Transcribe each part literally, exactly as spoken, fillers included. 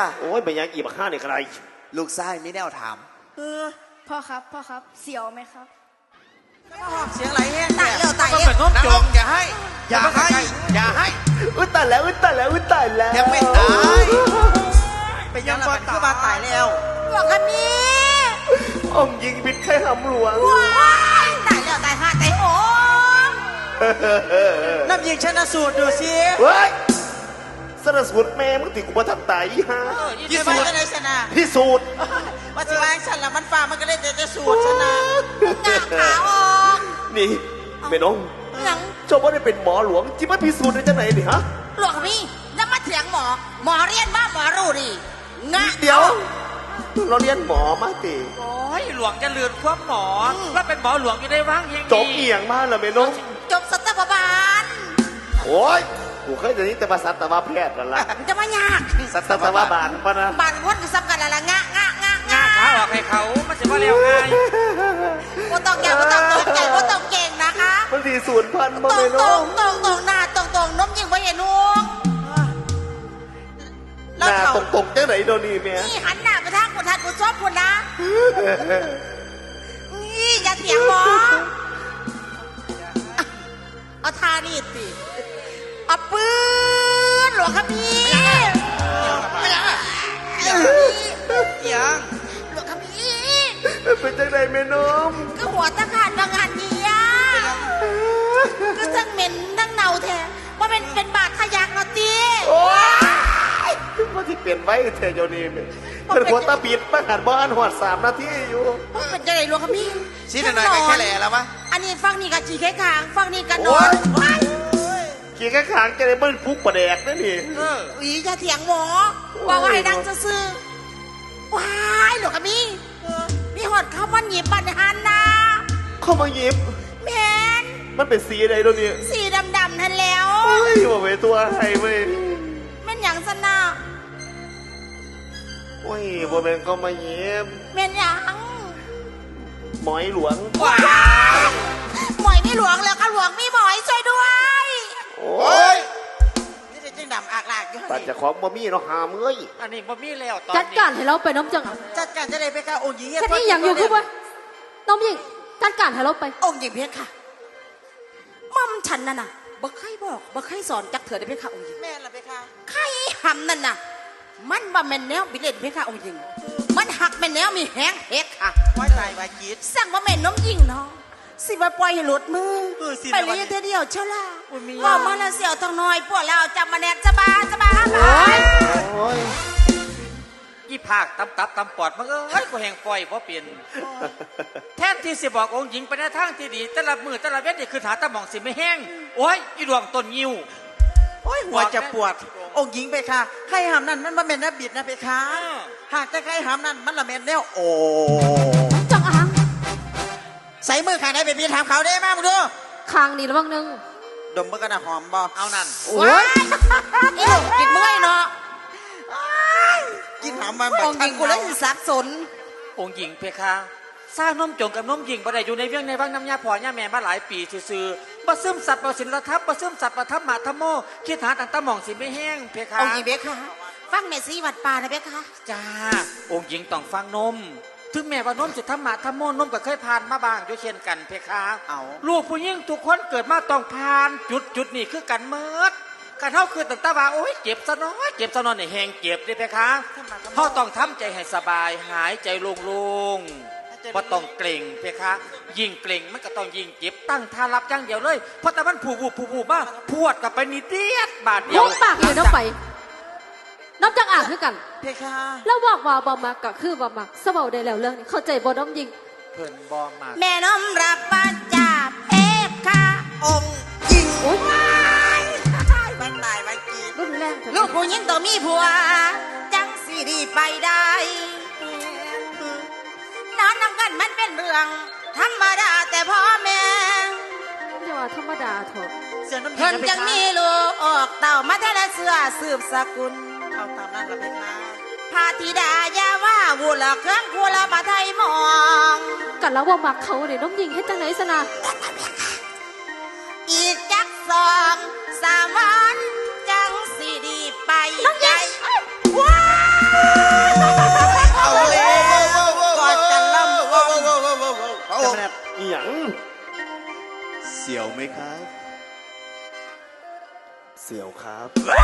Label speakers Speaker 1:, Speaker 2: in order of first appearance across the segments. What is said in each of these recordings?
Speaker 1: ค่ะ
Speaker 2: โอ้ยไปยังอีบักห้าเนี่ยใคร
Speaker 1: ลูกชายมีแนวถาม
Speaker 3: พ่อครับพ่อครับเสียวไหมครับ
Speaker 1: เสียงไหลแห้ง
Speaker 3: ตายแล้วตายแล้ว
Speaker 1: เป็นน้องจงอย่าให้อย่าให้อย่าให้
Speaker 2: อุ้ยตายแล้วอุ้ยตายแล้วอุ้ยตายแล้ว
Speaker 1: ยังไม่ตายไปยังก่อนคือมาตายแล้ว
Speaker 3: หลวงคันนี้
Speaker 2: องยิงบิดไข่หำหลวง
Speaker 3: ว้ายตายแล้วตายห้าตายโหง
Speaker 1: น้ำยิงชนะสูตรดูสิ
Speaker 2: เฮ้ยสนสูตรแม่มึงติกูมาทำตายยี่ห้า
Speaker 1: ที่สูตรชนะ
Speaker 2: ที่สูตร
Speaker 1: ว่าสิว่าฉันละมันฟ้ามันก็ได้แต่จะสูตรชนะ
Speaker 3: หน้าขาวออก
Speaker 2: นี่แม่น้องเจ้าว่าได้เป็นหมอหลวงจิมาพิสูจน์ได้จังไหนนี่ฮะ
Speaker 3: หลวงพี่แล้วมาเถียงหมอหมอเรียนว่าหมอรู้ดิงะ
Speaker 2: เดี๋ยวเราเรียนหมอมาติ
Speaker 4: โอ้ยหลวงจะเลือนควบหมอว่าเป็นหมอหลวงอยู่ได้ว่างยัง
Speaker 2: จบเอียงมากเลยแม่น้อง
Speaker 3: จบสัตวบาล
Speaker 2: โอ้ยกูเคยจะนี้แต่ภาษาตะวันแพทย์กันละ
Speaker 3: จะมายาก
Speaker 2: สัตวบาลปะนะ
Speaker 3: บานวนก็สำคัญอะไรงะงะงะ
Speaker 4: งะขาออกให้เขามันจะว่าเร็วไง
Speaker 3: โบต้องแก่โบต้องตกใจโบต้องเก่งนะคะ
Speaker 2: มันสี่ศูนย์พันมา
Speaker 3: เลย
Speaker 2: น้อง
Speaker 3: ตรงตรงหน้าตรงตรงน้มยิงไว้เห็นนุ่ง
Speaker 2: หน้าตรงตรงจังไหนโดนี่แม่
Speaker 3: นี่หันหน้าไปทางคนทัดคนชอบคนนะนี่อย่าเถียงหมอเอาทานี่สิเอาปืนหลวงครับพี่
Speaker 1: ไม่ยังอ่ะยัง
Speaker 3: หลวงครับพี่
Speaker 2: เป็นจังไหนแม่น้อง
Speaker 3: ก็หัวตะขาดบางงานนี้อ่ะก็ทั้งเหม็นทั้งเน่าแท้ว่าเป็นเป็นบาดทะยักเนาะตี
Speaker 2: โอ้ยว่าที่เปลี่ยนไว้เธอโยนี่เป็นหัวตาปิดมาหันบ้านหอดสามนาทีอยู่
Speaker 3: เป็นจังไหนหลวงครับพี่
Speaker 1: ชี้หน่อยแค่แหล่แล้ววะ
Speaker 3: อันนี้ฟังนี่กับจีแค่ขางฟังนี่กันนอน
Speaker 2: ขี่แค่ขางจะได้เบิ้ลฟุกประแดกนั่นนี่
Speaker 3: เอออีจะเถียงหมอว่าว่าให้ดังจะซื้อว้ายหลวงครับพี่มีหอดเข้ามันหยิบบันหันนะ
Speaker 2: เข้ามาหยิบ
Speaker 3: แมน
Speaker 2: มันเป็นสีอะไรตัวนี้
Speaker 3: สีดำๆนั่นแล้ว
Speaker 2: เฮ้ยว่าไปตัวให้เว้ย
Speaker 3: แม่นอย่างสนา
Speaker 2: โอ้ยบัวเป็นเข้ามาหยิบ
Speaker 3: แม่นอย่าง
Speaker 2: หมอยหลวง
Speaker 3: ว้าหมอยไม่หลวงแล้วก็หลวงมีหมอยช่วยด้วย
Speaker 2: โอ้ย
Speaker 1: นี่จะจิ้งดำอากลากอยู่
Speaker 2: ตัดจากของบะมี่เราหามเอ้ย
Speaker 4: อันนี้บะมี่แล้วตอนนี้
Speaker 5: จัดการให้เราไปน้องจัง
Speaker 1: จัดการจะได้ไปค่ะองค์หญิง
Speaker 5: แค่นี้อย่างอยู่คือว่าน้องหญิงจัดการให้เราไป
Speaker 3: องค์หญิงเพชรค่ะม่อมฉันน่ะน่ะบ่เคยบอกบ่เคยสอนจักเถื่อได้เพชรค่ะองค์หญิง
Speaker 1: แม่ละเพชรค่ะ
Speaker 3: ใครหำนั่นน่ะมันบ่แม่นแนวบิเลนเพชรค่ะองค์หญิงมันหักแม่นแนวมีแห้งเพชรค่ะ
Speaker 1: ไว้ตายไว้กีด
Speaker 3: สั่งบ่แม่นน้องหญิงเนาะสิมาปล่อยให้หลุดมือไปเลยเธอเดียวเช่าล่ะว่ามาแล้วเสี่ยวทองน้อยพวกเราจับมาแนบจะบาจะบาไป
Speaker 4: ยี่ภาคตำตับตำปอดมันเอ้ยกูแหงปล่อยเพราะเปลี่ยนแทนที่สิบอกองค์หญิงไปในทางที่ดีแต่ละมือแต่ละเวทนี่คือหาตะหม่องสิไม่แห้งโอ้ยอีดวงต้นยิ้ว
Speaker 1: โอ้ยหัวจะปวดองค์หญิงไปค่ะใครหามนั่นมันมาเป็นนับบิดนะไปค่ะหากแต่ใครหามนั่นมันละเม็ดแนวโอ้
Speaker 5: จังอ่ะ
Speaker 1: ใส่มือขางไหนไปพี่ถามเขาได้มามึงดู
Speaker 5: คางนี่ระวังนึง
Speaker 1: ดมเมื่อกระดาหอมบอ
Speaker 4: เอานั่น
Speaker 3: โอ้ยอีหนุ่มกินเมื่อยเนาะ
Speaker 1: กินหอมมาแบบ
Speaker 3: องค์หญิงกูเลยสับสน
Speaker 4: องค์หญิงเพคะสร้างน้มจงกับน้มหญิงบ่ได้อยู่ในเวียงในวังน้ำยาพ่อย่าแม่มาหลายปีซื่อๆบ่ซึมสัตว์บ่สินละทับบ่ซึมสัตว์บ่ทับหมาทับโมคิดหาต่างตะหม่องสิไม่แห้งเพคะ
Speaker 3: องค์หญิงเพคะฟังแม่ซีวัดป่านะเพคะ
Speaker 4: จ้าองค์หญิงต้องฟังนมถึงแม้ว่านมจะทำหมาทำโมนมก็เคยผ่านมาบ้างอยู่เช่นกันเพคะเอาลูกผู้หญิงทุกคนเกิดมาต้องผ่านจุดจุดนี้คือกันเมิดการเท่าคือตั้งแต่ว่าโอ้ยเจ็บซะน้อยเจ็บซะน้อยในแหงเจ็บดิเพคะเขาต้องทำใจให้สบายหายใจโล่งๆว่าต้องเกร็งเพคะยิ่งเกร็งมันก็ต้องยิ่งเจ็บตั้งท่ารับอย่างเดียวเลยเพราะแต่มันผูบูผูบูบ้าพวดกับไปนิดเดียดบาดเดียว
Speaker 5: ปากเลยน้องไปน้ำจังอ่างคือกัน
Speaker 1: เพคะ
Speaker 5: แล้วบอกว่าบอมักก็คือบอมักสบายได้แล้วเรื่องนี้เข้าใจบอน้องยิง
Speaker 4: เพิ่นบอมัก
Speaker 3: แม่น้อมรับปัจจาเพคะ
Speaker 1: องค์หญิง
Speaker 5: โอ้ย
Speaker 1: บ้านตายไว้กี
Speaker 5: รุ่นแรง
Speaker 3: ลูกผู้หญิงต้องมีผัวจังสีดีไปได้นอนนำกันมันเป็นเรื่องธรรมดาแต่พ่อแม่
Speaker 5: จะว่าธรรมดาเถอะ
Speaker 3: เพิ่นจังมีลูกออกเต่ามาแท้ละเสือสืบสกุล
Speaker 1: เอาตามนั้นละเพคะ
Speaker 3: พาธิดายาว่าวุละเครื่องคัวละปะไทยมอง
Speaker 5: กันแล้วว่ามักเขาเนี่ยน้องยิงให้จังไหนสนะ
Speaker 3: อีกจักสองสามวันจังสีดีไปใจว้าว
Speaker 1: จำแนก
Speaker 2: อีหยัง
Speaker 6: เสียวไหมครับ
Speaker 2: เสี่ยวครับ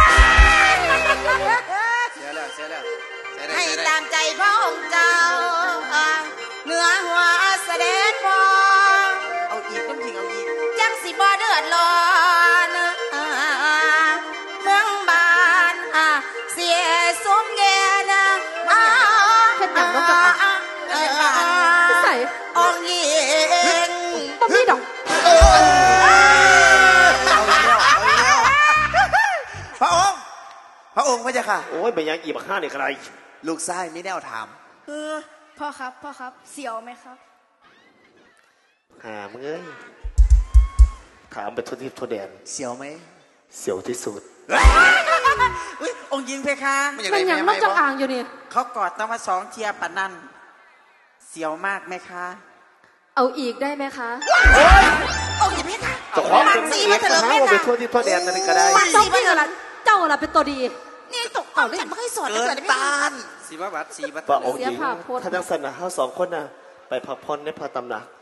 Speaker 6: เสียแล้วเสียแล้วเสียได้
Speaker 3: ให้
Speaker 6: เสียได้
Speaker 3: ตามใจพระองค์เจ้าเหนือหัวเสด็จพอ
Speaker 1: เอาอีกน้ำยิงเอาอีก
Speaker 3: จังสิบ่เดือดร้อนเมืองบานเสียสมแก่นะ
Speaker 5: เฮ็ดหยังน้องจังอ่ะ ใส่
Speaker 3: องค์หญิง
Speaker 5: บ่มีดอก
Speaker 6: เอาอีกแล้วเอาอีกแล้วพระองค์พระองค์พระเจ้าค่ะ
Speaker 2: โอ้ยไปยังอีบักห้าเนี่ยใคร
Speaker 6: ลูกชายมีแนวถาม
Speaker 3: เออพ่อครับพ่อครับเสียวไหมครับ
Speaker 2: หามึงเอ้ยถามไปทั่วทิศทั่วแดน
Speaker 6: เสียวไหม
Speaker 2: เสียวที่สุด
Speaker 1: อุ้ยองค์หญิงเพคะ
Speaker 6: ไม่อยาก
Speaker 5: มั
Speaker 6: ได้
Speaker 5: นหยัง
Speaker 6: แม่
Speaker 5: น้
Speaker 6: ไห
Speaker 5: อ
Speaker 6: ม
Speaker 5: งจัง
Speaker 6: บ่
Speaker 5: อ่างอยู่นี่
Speaker 1: เขากอดต้องมาสองเทียปะนั่นเสียวมากไหมคะ
Speaker 5: เอาอีกได้ไหมคะ
Speaker 3: องค์หญิงเพคะ
Speaker 2: จะขอ
Speaker 3: มั
Speaker 2: เป็น น
Speaker 3: สี
Speaker 2: สี
Speaker 3: มา
Speaker 2: มา
Speaker 3: เถ
Speaker 2: เถ
Speaker 3: อะ
Speaker 2: อะ
Speaker 3: เพ
Speaker 2: เอาไป
Speaker 3: คะ
Speaker 2: ทั่วทิศทั่วแดนนั่นก็ได้
Speaker 5: เจ้าพี่ละเจ้าละเป็นตัวดี
Speaker 3: นี่ตกเอาฉันไม่เคยสอน
Speaker 6: เกิ
Speaker 3: เลย
Speaker 6: น
Speaker 3: เพ
Speaker 6: ต้า
Speaker 3: คะ
Speaker 6: นสีบาบัดสีบัด
Speaker 2: ว่าองค์หญิง
Speaker 5: เสียภาพพจน์
Speaker 2: ถ้าจังสันนะเฮาสองคนน่ะ ไปพักผ่อนในพระตำหนัก